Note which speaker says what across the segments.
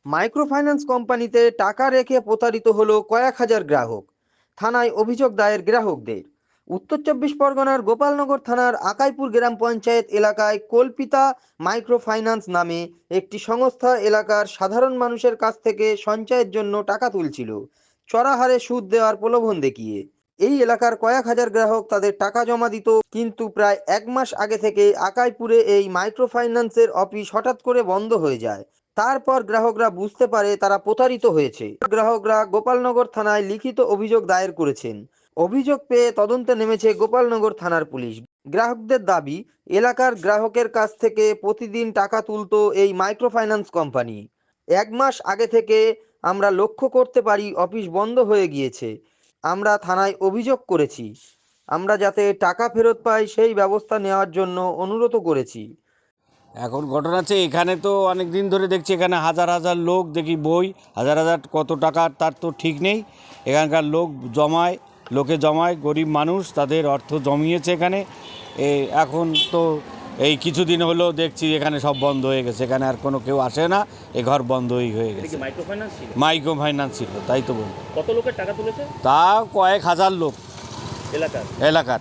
Speaker 1: Microfinance কোম্পানিতে টাকা রেখে প্রতারিত হলো কয়েক হাজার গ্রাহক। থানায় অভিযোগ দায়ের গ্রাহকদের। উত্তর চব্বিশ পরগনার গোপালনগর থানার আকাইপুর গ্রাম পঞ্চায়েত এলাকায় কল্পিতা মাইক্রোফাইন্যান্স নামে একটি সংস্থা এলাকার সাধারণ মানুষের কাছ থেকে সঞ্চয়ের জন্য টাকা তুলছিল চড়া হারে সুদ দেওয়ার প্রলোভন দেখিয়ে। এই এলাকার কয়েক হাজার গ্রাহক তাদের টাকা জমা দিত, কিন্তু প্রায় এক মাস আগে থেকে আকাইপুরে এই মাইক্রোফাইন্যান্সের অফিস হঠাৎ করে বন্ধ হয়ে যায়। তারপর গ্রাহকরা বুঝতে পারে তারা প্রতারিত হয়েছে। গ্রাহকরা গোপালনগর থানায় লিখিত অভিযোগ দায়ের করেছেন। অভিযোগ পেয়ে তদন্তে নেমেছে গোপালনগর থানার পুলিশ। গ্রাহকদের দাবি, এলাকার গ্রাহকের কাছ থেকে প্রতিদিন টাকা তুলতো এই মাইক্রোফাইন্যান্স কোম্পানি। এক মাস আগে থেকে আমরা লক্ষ্য করতে পারি অফিস বন্ধ হয়ে গিয়েছে। আমরা থানায় অভিযোগ করেছি। আমরা যাতে টাকা ফেরত পাই সেই ব্যবস্থা নেওয়ার জন্য অনুরোধ করেছি।
Speaker 2: এখন ঘটনা হচ্ছে, এখানে তো অনেক দিন ধরে দেখছি এখানে হাজার হাজার লোক দেখি বই, হাজার হাজার কত টাকা তার তো ঠিক নেই। এখানকার লোকে জমায়, গরিব মানুষ তাদের অর্থ জমিয়েছে এখানে। এখন তো এই কিছুদিন হলো দেখছি এখানে সব বন্ধ হয়ে গেছে, এখানে আর কোনো কেউ আসে না, এ ঘর বন্ধই হয়ে গেছে। মাইক্রোফাইন্যান্স ছিল, তাই তো বলুন।
Speaker 3: কত লোকের টাকা তুলেছে?
Speaker 2: তা কয়েক হাজার লোক এলাকার।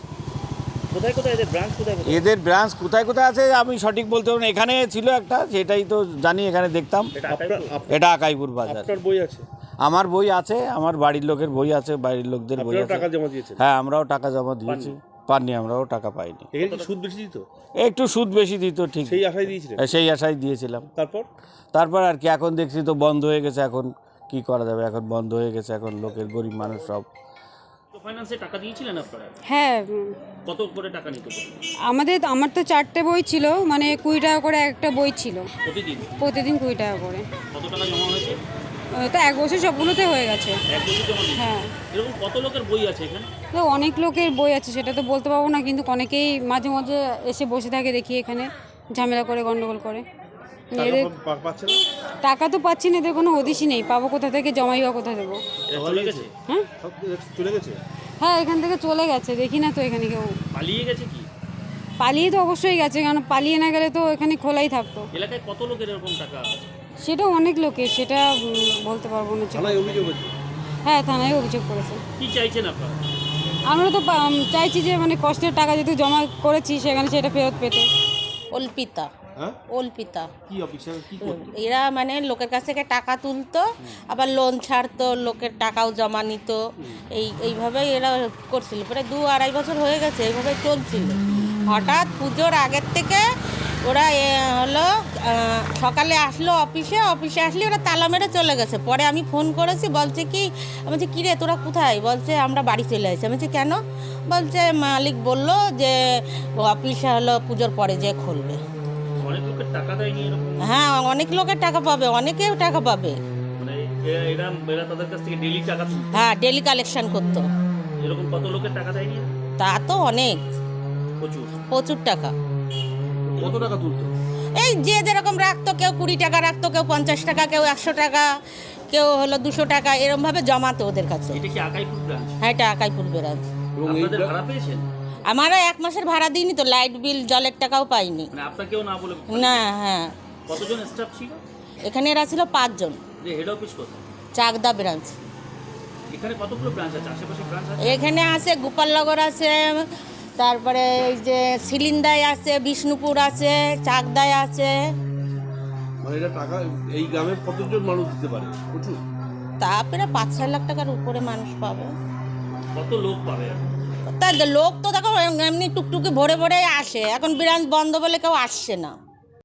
Speaker 2: এদের ব্রাঞ্চ কোথায় কোথায় আছে আমি সঠিক বলতে পারবো না। এখানে ছিল একটা, সেটাই তো জানি, এখানে দেখতাম। এটা আকাইপুর বাজার।
Speaker 3: বই আছে?
Speaker 2: আমার বই আছে, আমার বাড়ির লোকের বই আছে, বাড়ির লোকদের বই আছে। হ্যাঁ, আমরাও টাকা জমা দিয়েছি। পাননি, আমরাও টাকা পাইনি।
Speaker 3: সুদ বেশি দিত?
Speaker 2: একটু সুদ বেশি দিত, ঠিক। সেই আশায় দিয়েছিলাম। তারপর আর কি, এখন দেখছি তো বন্ধ হয়ে গেছে। এখন কি করা যাবে, এখন বন্ধ হয়ে গেছে। এখন লোকের গরিব মানুষ সব।
Speaker 3: ফাইন্যান্সে টাকা দিয়েছিলেন আপনারা?
Speaker 4: হ্যাঁ।
Speaker 3: কত করে টাকা নিত?
Speaker 4: আমার তো 4টে বই ছিল, মানে 20 টাকা করে একটা বই ছিল। প্রতিদিন 20 টাকা করে।
Speaker 3: কত টাকা জমা হয়েছে?
Speaker 4: তো এক বছর সবগুলোতে হয়ে গেছে। হ্যাঁ।
Speaker 3: এরকম কত লোকের বই আছে এখানে?
Speaker 4: তো অনেক লোকের বই আছে, সেটা তো বলতে পারবো না, কিন্তু অনেকেই মাঝে মাঝে এসে বসে থাকে, দেখি এখানে ঝামেলা করে, গন্ডগোল করে। এদের টাকা তো পাচ্ছি না, এদের কোনো হদিশই নেই। পাবো কোথা থেকে, জমাই বা কোথা দেবো? হ্যাঁ, হ্যাঁ, এখান থেকে চলে গেছে, দেখি না তো এখানে কেউ।
Speaker 3: পালিয়ে গেছে কি?
Speaker 4: পালিয়ে তো অবশ্যই গেছে, কারণ পালিয়ে না গেলে তো এখানে খোলাই থাকতো।
Speaker 3: এলাকায় কত লোকের এরকম টাকা?
Speaker 4: সেটা অনেক লোকের, সেটা বলতে পারবো না। হ্যাঁ, থানায় অভিযোগ করেছে।
Speaker 3: কি চাইছেন আপনারা?
Speaker 4: আমরা তো চাইছি যে মানে কষ্টের টাকা যেহেতু জমা করেছি, সেখানে সেটা ফেরত পেতে।
Speaker 5: অল্পিতা।
Speaker 3: কি অফিসার কি করতো?
Speaker 5: এরা মানে লোকের কাছ থেকে টাকা তুলতো, আবার লোন ছাড়তো, লোকের টাকাও জমা নিত। এইভাবেই এরা করছিল। প্রায় 2-2.5 বছর হয়ে গেছে, এইভাবে চলছিল। হঠাৎ পুজোর আগের থেকে ওরা হলো সকালে আসলো অফিসে আসলে ওরা তালা মেরে চলে গেছে। পরে আমি ফোন করেছি, বলছে কি, আমি বলছি কী রে তোরা কোথায়? বলছে আমরা বাড়ি চলে আসছি। আমি বলছি কেন? বলছে মালিক বললো যে অফিসে হলো পুজোর পরে যে খুলবে।
Speaker 3: অনেক লোকের টাকা দেয়নি এরকম?
Speaker 5: হ্যাঁ, অনেক লোকের টাকা পাবে, অনেকেও টাকা পাবে।
Speaker 3: মানে এরা তাদের কাছ থেকে ডেইলি টাকা তুলতো?
Speaker 5: হ্যাঁ, ডেইলি কালেকশন করতো।
Speaker 3: এরকম কত লোকের টাকা দেয়নি?
Speaker 5: তা তো অনেক, প্রচুর টাকা।
Speaker 3: কত টাকা তুলতো?
Speaker 5: এই যে যেরকম রাখতো, কেউ 20 টাকা রাখতো, কেউ 50 টাকা, কেউ 100 টাকা, কেউ হলো 200 টাকা, এরমভাবে জমাতো ওদের কাছে।
Speaker 3: এটা কি আকাইপুর ব্রাঞ্চ?
Speaker 5: হ্যাঁ, এটা আকাইপুর ব্রাঞ্চ।
Speaker 3: আপনাদের ভাড়া পেয়েছেন?
Speaker 5: আমারও 1 মাসের ভাড়া দিইনি তো, লাইট বিল জলের টাকাও পাইনি।
Speaker 3: মানে আপনাকেও না বলে?
Speaker 5: না। হ্যাঁ।
Speaker 3: কতজন স্টাফ ছিল
Speaker 5: এখানে? এরা ছিল 5 জন।
Speaker 3: হেড অফিস কোথায়?
Speaker 5: চাকদা ব্রাঞ্চ।
Speaker 3: এখানে কতগুলো ব্রাঞ্চ আছে? আশেপাশে ব্রাঞ্চ আছে?
Speaker 5: এখানে আছে গোপালনগর আছে, তারপরে এই যে সিলিন্দায় আছে, বিষ্ণুপুর আছে, চাকদায় আছে।
Speaker 6: মানে এটা টাকা এই গ্রামে কতজন মানুষ দিতে পারে? প্রচুর।
Speaker 5: তা প্রায় 5-6 লাখ টাকার উপরে মানুষ পাবে।
Speaker 3: কত লোক পাবে?
Speaker 5: তা লোক তো দেখো এমনি টুকটুকি ভরে ভরে আসে, এখন ব্রাঞ্চ বন্ধ বলে কেউ আসছে না।